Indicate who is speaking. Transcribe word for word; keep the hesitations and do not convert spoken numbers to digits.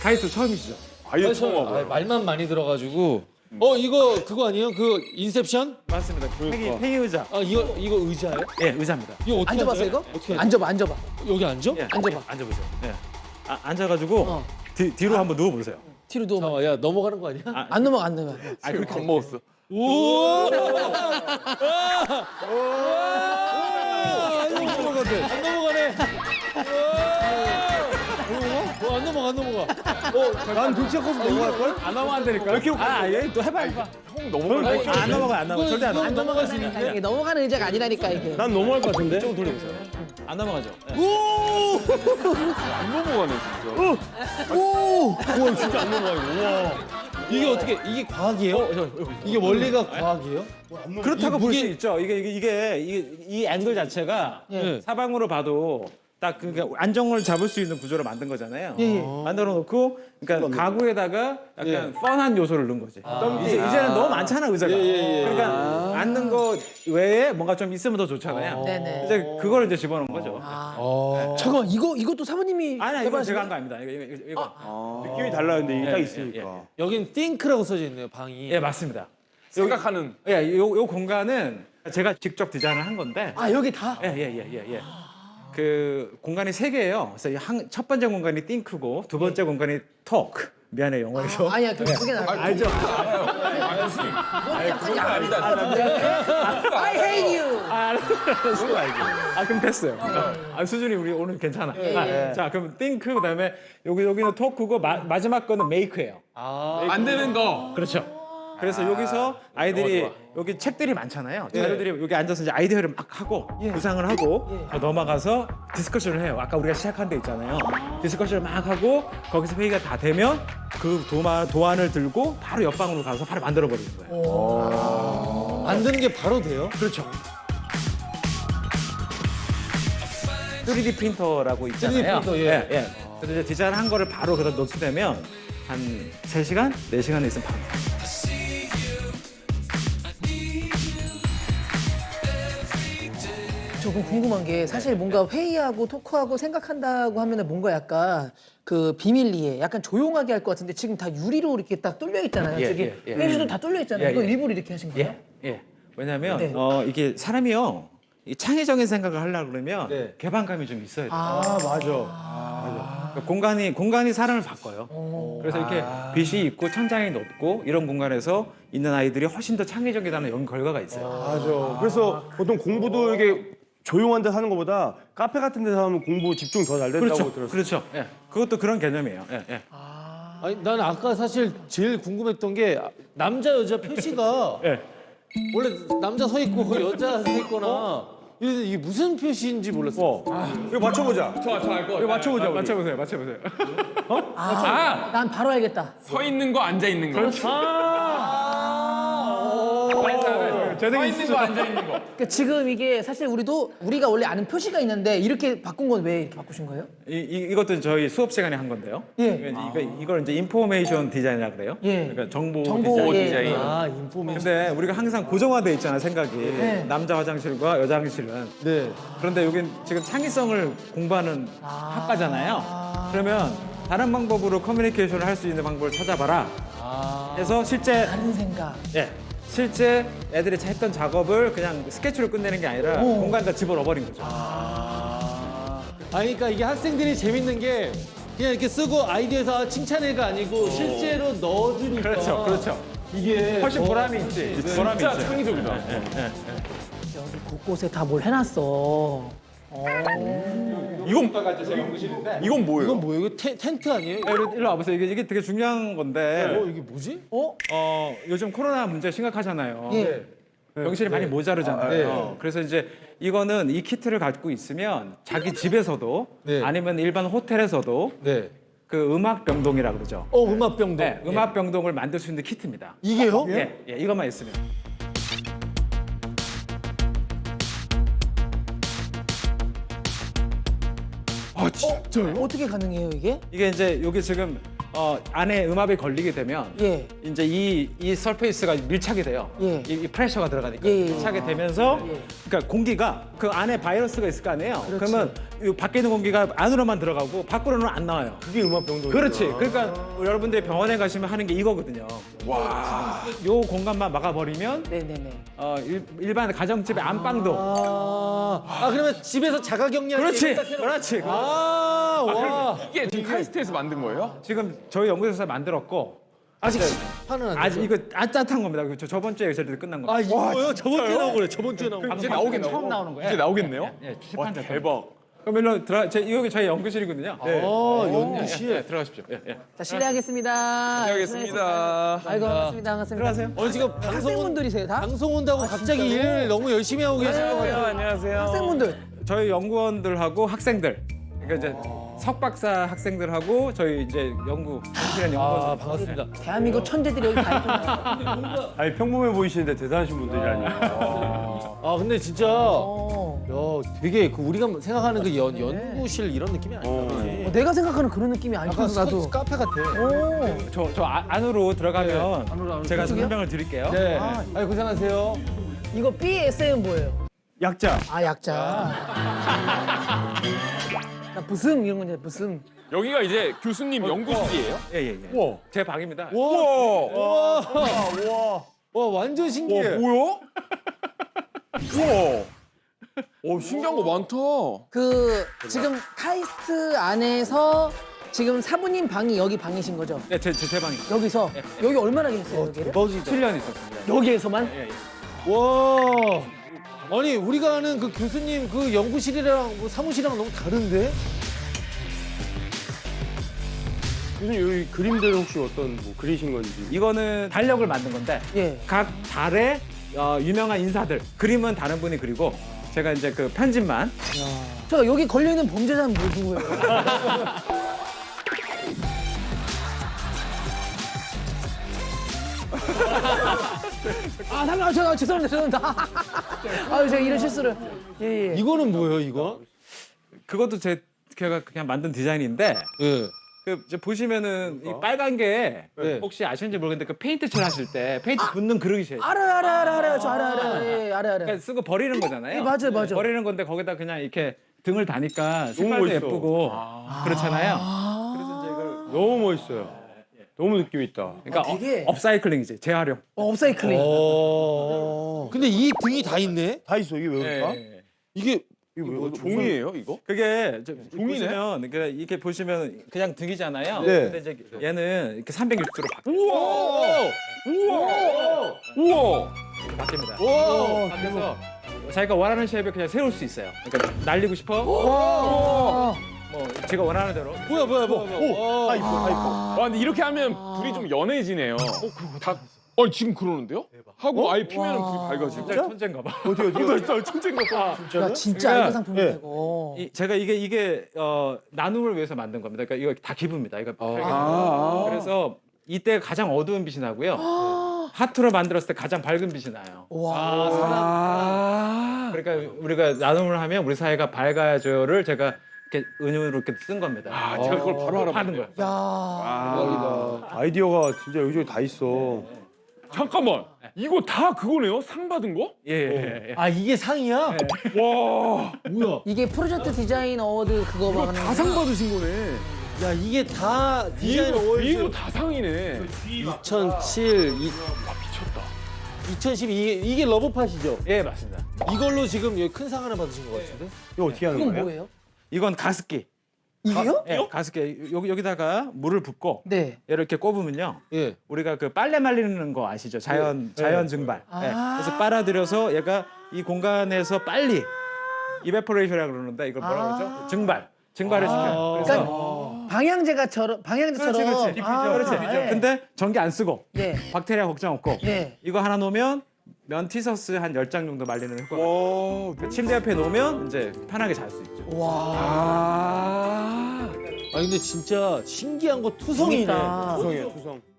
Speaker 1: 가이드 처음이시죠?
Speaker 2: 아예 처음 와봐요.
Speaker 3: 말만 많이 들어가지고. 어 이거 그거 아니에요? 그 인셉션?
Speaker 1: 맞습니다. 팽이, 팽이 의자.
Speaker 3: 아 이거 이거 의자예요?
Speaker 1: 예, 의자입니다.
Speaker 3: 이거 어떻게
Speaker 4: 앉아봤어
Speaker 3: 앉아요?
Speaker 4: 이거?
Speaker 3: 어떻게 앉아?
Speaker 4: 앉아봐 앉아봐.
Speaker 3: 여기 앉아?
Speaker 1: 예,
Speaker 4: 앉아봐.
Speaker 1: 앉아보세요. 예. 아, 앉아가지고
Speaker 4: 어.
Speaker 1: 뒤, 뒤로 한번 누워보세요.
Speaker 4: 뒤로 누워.
Speaker 3: 잠깐만 야 넘어가는 거 아니야?
Speaker 1: 아,
Speaker 4: 안 넘어가 안 넘어가.
Speaker 2: 아 그렇게 안 먹었어.
Speaker 3: 우와! 안 넘어가네. 안 넘어가네. 어, 안 넘어가 안 넘어가.
Speaker 2: 난 등치가 커서 넘어갈 걸?
Speaker 1: 안 넘어간다니까. 이렇게 아, 예, 또 해봐, 해봐.
Speaker 2: 형 넘어갈 걸?
Speaker 1: 안 넘어가, 안 넘어가. 절대 안 넘어가.
Speaker 3: 안 넘어갈 수 있는데.
Speaker 4: 이게 넘어가는 의자가 아니라니까 이게.
Speaker 2: 난 넘어갈 것 같은데.
Speaker 1: 좀 돌려보세요. 안 넘어가죠. 예.
Speaker 2: 안 넘어가네 진짜. 오! 우와 진짜 안 넘어가 이거. 우와.
Speaker 3: 이게 어떻게 이게 과학이에요? 이게 원리가 과학이에요?
Speaker 1: 그렇다고
Speaker 3: 이
Speaker 1: 볼 수
Speaker 3: 무게-
Speaker 1: 있죠. 이게 이게 이게 이, 이 앵글 자체가
Speaker 3: 예.
Speaker 1: 사방으로 봐도 딱 그러니까 안정을 잡을 수 있는 구조로 만든 거잖아요.
Speaker 4: 예, 예.
Speaker 1: 만들어 놓고 그러니까 가구에다가 약간 뻔한 요소를 넣은 거지. 이제 이제는 너무 많잖아 의자가. 그러니까 앉는 거 외에 뭔가 좀 있으면 더 좋잖아요.
Speaker 4: 네네.
Speaker 1: 이제 그걸 이제 집어넣은 거죠.
Speaker 4: 아.
Speaker 3: 어.
Speaker 4: 잠깐만 이거 이것도 사모님이
Speaker 1: 아니 이거
Speaker 4: 해봐야지.
Speaker 1: 제가 한 거 아닙니다. 이거 이거 이거.
Speaker 2: 아, 느낌이 달라요 근데 이게
Speaker 1: 예,
Speaker 2: 딱
Speaker 1: 예,
Speaker 2: 있으니까.
Speaker 3: 여긴 띵크라고 써져 있네요 방이.
Speaker 1: 예 맞습니다.
Speaker 2: 생각하는.
Speaker 1: 예, 요, 요 공간은 제가 직접 디자인을 한 건데.
Speaker 4: 아 여기 다.
Speaker 1: 예, 예, 예, 예, 예. 그 공간이 세 개예요. 그래서 한, 첫 번째 공간이 띵크고 두 번째 공간이 톡. 미안해 영어에서.
Speaker 4: 아, 아니야 그게 그게 나.
Speaker 1: 알죠?
Speaker 4: I hate you.
Speaker 1: 아, 알았어. 알죠. 아, 그럼 됐어요. 아, 수준이 우리 오늘 괜찮아. 아, 자, 그럼 띵크 그다음에 여기 여기는 토크고 마, 마지막 거는 메이크예요.
Speaker 2: 만드는 거.
Speaker 1: 그렇죠. 그래서 여기서 아이들이 여기 책들이 많잖아요. 자료들이 여기 앉아서 이제 아이디어를 막 하고 구상을 하고 더 넘어가서 디스커션을 해요. 아까 우리가 시작한 데 있잖아요. 디스커션을 막 하고 거기서 회의가 다 되면 그 도마, 도안을 들고 바로 옆방으로 가서 바로 만들어 버리는 거예요.
Speaker 3: 만드는 게 바로 돼요?
Speaker 1: 그렇죠. 쓰리디 프린터라고 있잖아요.
Speaker 3: 쓰리디 프린터, 예.
Speaker 1: 예, 예. 그래서 이제 디자인한 거를 바로 그다 넣게 되면 한 세 시간, 네 시간에 있으면 바로 나와요.
Speaker 4: 조금 궁금한 게 사실 뭔가 회의하고 토크하고 생각한다고 하면은 뭔가 약간 그 비밀리에 약간 조용하게 할 것 같은데 지금 다 유리로 이렇게 딱 뚫려 있잖아요.
Speaker 1: 예,
Speaker 4: 저기
Speaker 1: 예, 예.
Speaker 4: 회의실도 다 뚫려 있잖아요.
Speaker 1: 예,
Speaker 4: 이거
Speaker 1: 예.
Speaker 4: 일부러 이렇게 하신 거예요?
Speaker 1: 예, 예. 왜냐하면
Speaker 4: 네.
Speaker 1: 어, 이게 사람이요 이 창의적인 생각을 하려고 그러면
Speaker 3: 네.
Speaker 1: 개방감이 좀 있어야 돼요.
Speaker 4: 아,
Speaker 2: 맞아.
Speaker 1: 그러니까 공간이 공간이 사람을 바꿔요. 그래서 이렇게 빛이 있고 천장이 높고 이런 공간에서 있는 아이들이 훨씬 더 창의적이라는 연 결과가 있어요.
Speaker 2: 맞아. 그래서 보통 공부도 이게 조용한 데서 하는 것보다 카페 같은 데서 하면 공부 집중 더 잘 된다고
Speaker 1: 그렇죠,
Speaker 2: 들었어요.
Speaker 1: 그렇죠. 예. 그것도 그런 개념이에요. 예, 예.
Speaker 3: 아니 난 아까 사실 제일 궁금했던 게 남자 여자 표시가
Speaker 1: 예.
Speaker 3: 원래 남자 서 있고 여자 서 있거나 이게 이게 무슨 표시인지 몰랐어.
Speaker 2: 이거 맞춰보자.
Speaker 5: 저저알거
Speaker 2: 이거 맞춰보자. 우리.
Speaker 1: 맞춰보세요, 맞춰보세요.
Speaker 4: 아, 난 바로 알겠다.
Speaker 5: 서 있는 거 앉아 있는 거. 그렇지. 서 있는 거 앉아 있는 거.
Speaker 4: 그러니까 지금 이게 사실 우리도 우리가 원래 아는 표시가 있는데 이렇게 바꾼 건 왜 이렇게 바꾸신 거예요?
Speaker 1: 이, 이 이것도 저희 수업 시간에 한 건데요.
Speaker 4: 예.
Speaker 1: 이거, 이거 이걸 이제 인포메이션 디자인이라 그래요.
Speaker 4: 예.
Speaker 1: 그러니까 정보,
Speaker 4: 정보,
Speaker 1: 디자인.
Speaker 4: 예.
Speaker 1: 디자인.
Speaker 3: 아 인포메이션.
Speaker 1: 근데 우리가 항상 고정화돼 있잖아 생각이.
Speaker 4: 네.
Speaker 1: 남자 화장실과 여자 화장실은.
Speaker 3: 네.
Speaker 1: 그런데 여긴 지금 창의성을 공부하는 학과잖아요. 그러면 다른 방법으로 커뮤니케이션을 할 수 있는 방법을 찾아봐라. 해서 실제
Speaker 4: 다른 생각.
Speaker 1: 예 실제 애들이 했던 작업을 그냥 스케치로 끝내는 게 아니라 공간에다 집어넣어 버린 거죠.
Speaker 3: 아 그러니까 이게 학생들이 재밌는 게 그냥 이렇게 쓰고 아이디어에서 아, 칭찬해가 아니고 실제로 넣어주니까.
Speaker 1: 그렇죠, 그렇죠.
Speaker 3: 이게
Speaker 1: 훨씬
Speaker 3: 더-
Speaker 1: 보람이 있지. 보람이
Speaker 5: 진짜
Speaker 1: 있어요.
Speaker 5: 창의적이다.
Speaker 4: 여기 곳곳에 다 뭘 해놨어.
Speaker 2: 이건 이건 뭐예요?
Speaker 3: 이건 뭐예요? 이거 텐, 텐트 아니에요?
Speaker 1: 야, 일로, 일로 와보세요. 이게, 이게 되게 중요한 건데.
Speaker 3: 어 이게 뭐지?
Speaker 4: 어?
Speaker 1: 어, 요즘 코로나 문제 심각하잖아요.
Speaker 4: 예.
Speaker 1: 병실이 많이 모자르잖아요.
Speaker 3: 네.
Speaker 1: 그래서 이제 이거는 이 키트를 갖고 있으면 자기 집에서도
Speaker 3: 네.
Speaker 1: 아니면 일반 호텔에서도
Speaker 3: 네.
Speaker 1: 그 음악 병동이라 그러죠.
Speaker 3: 어 음악병동.
Speaker 1: 네, 음악 병동을 만들 수 있는 키트입니다.
Speaker 3: 이게요?
Speaker 1: 예, 예, 이것만 있으면.
Speaker 2: 아 진짜요?
Speaker 4: 어떻게 가능해요 이게?
Speaker 1: 이게 이제 여기 지금 어, 안에 음압이 걸리게 되면
Speaker 4: 예.
Speaker 1: 이제 이, 이 서페이스가 밀착이 돼요.
Speaker 4: 예.
Speaker 1: 이, 이 프레셔가 들어가니까
Speaker 4: 예, 예, 예.
Speaker 1: 밀착이 되면서
Speaker 4: 예.
Speaker 1: 그러니까 공기가 그 안에 바이러스가 있을 거 아니에요. 그러면이 밖에 있는 공기가 안으로만 들어가고 밖으로는 안 나와요.
Speaker 2: 그게 음압 병동.
Speaker 1: 그렇지. 그러니까 여러분들이 병원에 가시면 하는 게 이거거든요. 와. 요 공간만 막아버리면
Speaker 4: 네네네.
Speaker 1: 어, 일, 일반 가정집의 안방도
Speaker 3: 아, 아 그러면 집에서 자가격리할 때
Speaker 1: 그렇지.
Speaker 3: 이거 딱 해놓고-
Speaker 1: 그렇지.
Speaker 3: 아, 와.
Speaker 5: 이게 지금 카이스트에서 만든 거예요?
Speaker 1: 지금 저희 연구소에서 만들었고
Speaker 3: 아직 파는 안
Speaker 1: 아직
Speaker 3: 되죠?
Speaker 1: 이거 아짠한 겁니다. 저 저번 주에 저희들 끝난 거.
Speaker 3: 아 이거요? 저번 주에 나온 거래. 저번 주에 나온 거.
Speaker 5: 이제 나오겠네요.
Speaker 1: 처음 나오는 거예요.
Speaker 5: 이제 나오겠네요?
Speaker 1: 예, 시판 작
Speaker 5: 대박.
Speaker 1: 그럼 일로 들어. 제 여기 저희 연구실이거든요. 네.
Speaker 3: 아, 연구실.
Speaker 1: 예, 들어가십시오. 예, 예.
Speaker 4: 자 실례하겠습니다.
Speaker 5: 안녕하겠습니다.
Speaker 4: 아이고 반갑습니다. 반갑습니다.
Speaker 1: 들어가세요.
Speaker 3: 오늘 지금 방송
Speaker 4: 학생분들이세요 다?
Speaker 3: 방송 온다고 갑자기 일 너무 열심히 하고 계신 것 같아요.
Speaker 5: 안녕하세요.
Speaker 4: 학생분들.
Speaker 1: 저희 연구원들하고 학생들. 그러니까 이제 석박사 학생들하고 저희 이제 연구 연구실에
Speaker 3: 아,
Speaker 1: 연구원.
Speaker 3: 반갑습니다.
Speaker 4: 대한민국 천재들이 여기 다 있구나.
Speaker 2: 아니 평범해 보이시는데 대단하신 분들이라니.
Speaker 3: 아, 근데 진짜
Speaker 4: 어.
Speaker 3: 야, 되게 그 우리가 생각하는 그 연, 연구실 이런 느낌이 아니다.
Speaker 2: 어.
Speaker 3: 그지?
Speaker 4: 어, 내가 생각하는 그런 느낌이
Speaker 3: 약간
Speaker 4: 아니어서 나도.
Speaker 3: 스- 카페 같아.
Speaker 4: 오.
Speaker 1: 저, 저 아- 안으로 들어가면
Speaker 3: 네, 안으로, 안으로.
Speaker 1: 제가
Speaker 4: 저쪽이요?
Speaker 1: 설명을 드릴게요.
Speaker 3: 네. 아, 고생하세요.
Speaker 4: 이거 비에스엠은 뭐예요?
Speaker 2: 약자.
Speaker 4: 아 약자. 나 부승 이런 건데 부승.
Speaker 5: 여기가 이제 교수님 연구실이에요?
Speaker 1: 예, 예, 예.
Speaker 2: 우와.
Speaker 1: 제 방입니다.
Speaker 5: 우와.
Speaker 3: 와,
Speaker 2: 우와.
Speaker 3: 와 완전 신기해.
Speaker 5: 뭐야? 우와. 오, 신기한 거 많다.
Speaker 4: 그 지금 카이스트 안에서 지금 사부님 방이 여기 방이신 거죠?
Speaker 1: 네, 제, 제, 제 방입니다.
Speaker 4: 여기서 여기 얼마나 계셨어요 여기를?
Speaker 3: 대박이다.
Speaker 1: 칠 년 있었습니다.
Speaker 4: 여기에서만?
Speaker 1: 예, 예.
Speaker 3: 와. 아니 우리가 아는 그 교수님 그 연구실이랑 뭐 사무실이랑 너무 다른데?
Speaker 2: 교수님 여기 그림들은 혹시 어떤 뭐 그리신 건지.
Speaker 1: 이거는 달력을 만든 건데
Speaker 4: 예.
Speaker 1: 각 달의 어, 유명한 인사들 그림은 다른 분이 그리고 제가 이제 그 편집만
Speaker 4: 저 여기 걸려 있는 범죄자는 뭐 누구예요? 아, 잠깐만, 아, 저, 죄송합니다, 죄송합니다. 아유, 제가 이런 실수를. 예, 예.
Speaker 3: 이거는 뭐예요, 이거?
Speaker 1: 그것도 제 제가 그냥 만든 디자인인데
Speaker 3: 예.
Speaker 1: 그 이제 보시면은 이 빨간 게
Speaker 3: 네.
Speaker 1: 혹시 아시는지 모르겠는데 그 페인트 칠 하실 때 페인트 붓는 그릇이에요.
Speaker 4: 알아, 알아, 알아, 알아요. 저 알아, 알아. 예, 예, 알아, 알아.
Speaker 1: 그러니까 쓰고 버리는 거잖아요.
Speaker 4: 예, 맞아요, 맞아요.
Speaker 1: 버리는 건데 거기다 그냥 이렇게 등을 다니까 색깔도
Speaker 2: 멋있어.
Speaker 1: 예쁘고 그렇잖아요. 그래서 이제 이걸
Speaker 2: 너무 멋있어요. 너무 느낌 있다.
Speaker 1: 그러니까
Speaker 4: 아, 되게-
Speaker 1: 업- 업사이클링이지 재활용.
Speaker 4: 어, 업사이클링.
Speaker 3: 어. 근데 이 등이 다 있네?
Speaker 2: 다 있어 이게 왜 그럴까?
Speaker 1: 예.
Speaker 3: 이게
Speaker 2: 이게 왜
Speaker 5: 뭐 종이에요, 이거?
Speaker 1: 그게 저-
Speaker 5: 종이네?
Speaker 1: 보시면 그러니까 이렇게 보시면 그냥 등이잖아요.
Speaker 2: 네.
Speaker 1: 근데 이제 얘는 이렇게 삼백육십 도로 바,
Speaker 5: 우와! 우와! 우와!
Speaker 1: 바뀝니다.
Speaker 3: 와.
Speaker 1: 그래서 자기가 원하는 쉐입에 그냥 세울 수 있어요. 그러니까 날리고 싶어?
Speaker 4: 와.
Speaker 1: 뭐 제가 원하는 대로.
Speaker 3: 뭐야, 뭐야, 뭐야. 뭐야.
Speaker 2: 다 이뻐, 다 이뻐.
Speaker 5: 와, 근데 이렇게 하면 불이 좀 연해지네요. 다, 어, 지금 그러는데요? 하고 아예 피면은 불이 밝아지고.
Speaker 1: 진짜 천재인가 봐.
Speaker 2: 어디 어디 어디?
Speaker 5: 나 천재인가 봐.
Speaker 4: 야, 진짜
Speaker 1: 그러니까-
Speaker 4: 알바 상품이네,
Speaker 2: 예.
Speaker 4: 이거.
Speaker 1: 이, 제가 이게 이게 어, 나눔을 위해서 만든 겁니다. 그러니까 이거 다 기부입니다. 이거
Speaker 5: 아.
Speaker 1: 그래서 이때 가장 어두운 빛이 나고요. 하트로 만들었을 때 가장 밝은 빛이 나요.
Speaker 4: 와.
Speaker 5: 아.
Speaker 1: 그러니까 우리가 나눔을 하면 우리 사회가 밝아져를 제가 이렇게 은유로 이렇게 쓴 겁니다.
Speaker 5: 아, 제가 그걸 바로
Speaker 1: 하는
Speaker 5: 알아봤네요.
Speaker 1: 거예요.
Speaker 4: 야.
Speaker 2: 아이디어가 진짜 여기저기 다 있어.
Speaker 5: 잠깐만. 이거 다 그거네요? 상 받은 거?
Speaker 1: 예, 예, 예.
Speaker 3: 아, 이게 상이야?
Speaker 5: 와.
Speaker 3: 뭐야?
Speaker 4: 이게 프로젝트 디자인 어워드 그거 막 하는
Speaker 5: 다 상 받으신 거네.
Speaker 3: 야, 이게 다 디자인
Speaker 5: 이거,
Speaker 3: 어워즈
Speaker 5: 이거 다 상이네.
Speaker 3: 이천칠, 이,
Speaker 5: 아, 미쳤다.
Speaker 3: 이천십이 이게, 이게 러브팟이죠?
Speaker 1: 예, 맞습니다.
Speaker 3: 이걸로 지금 여기 큰 상 하나 받으신 것 같은데?
Speaker 2: 이거 어떻게 하는
Speaker 4: 이건
Speaker 2: 거예요?
Speaker 4: 뭐예요?
Speaker 1: 이건 가습기.
Speaker 4: 이게요?
Speaker 1: 예, 가습기. 여기 여기다가 물을 붓고
Speaker 4: 네.
Speaker 1: 얘를 이렇게 꼽으면요.
Speaker 3: 예.
Speaker 1: 우리가 그 빨래 말리는 거 아시죠? 자연 자연 증발.
Speaker 4: 아.
Speaker 1: 예. 그래서 빨아들여서 얘가 이 공간에서 빨리 이베포레이션이라고 그러는데 이걸 뭐라고
Speaker 4: 아.
Speaker 1: 그러죠? 증발. 증발을 시켜요. 그래서
Speaker 4: 그러니까 방향제가처럼 방향제처럼.
Speaker 1: 그렇지, 그렇지. 디퓨저,
Speaker 4: 아,
Speaker 1: 그렇지.
Speaker 4: 예.
Speaker 1: 근데 전기 안 쓰고
Speaker 4: 예.
Speaker 1: 박테리아 걱정 없고
Speaker 4: 예.
Speaker 1: 이거 하나 놓으면 면 티셔츠 한 열 장 정도 말리는 효과가 있어요. 그 침대 옆에 놓으면 이제 편하게 잘 수 있죠.
Speaker 4: 와.
Speaker 5: 아.
Speaker 3: 아, 근데 진짜 신기한 거 투성이네.
Speaker 4: 재밌다.
Speaker 2: 투성이야 투성.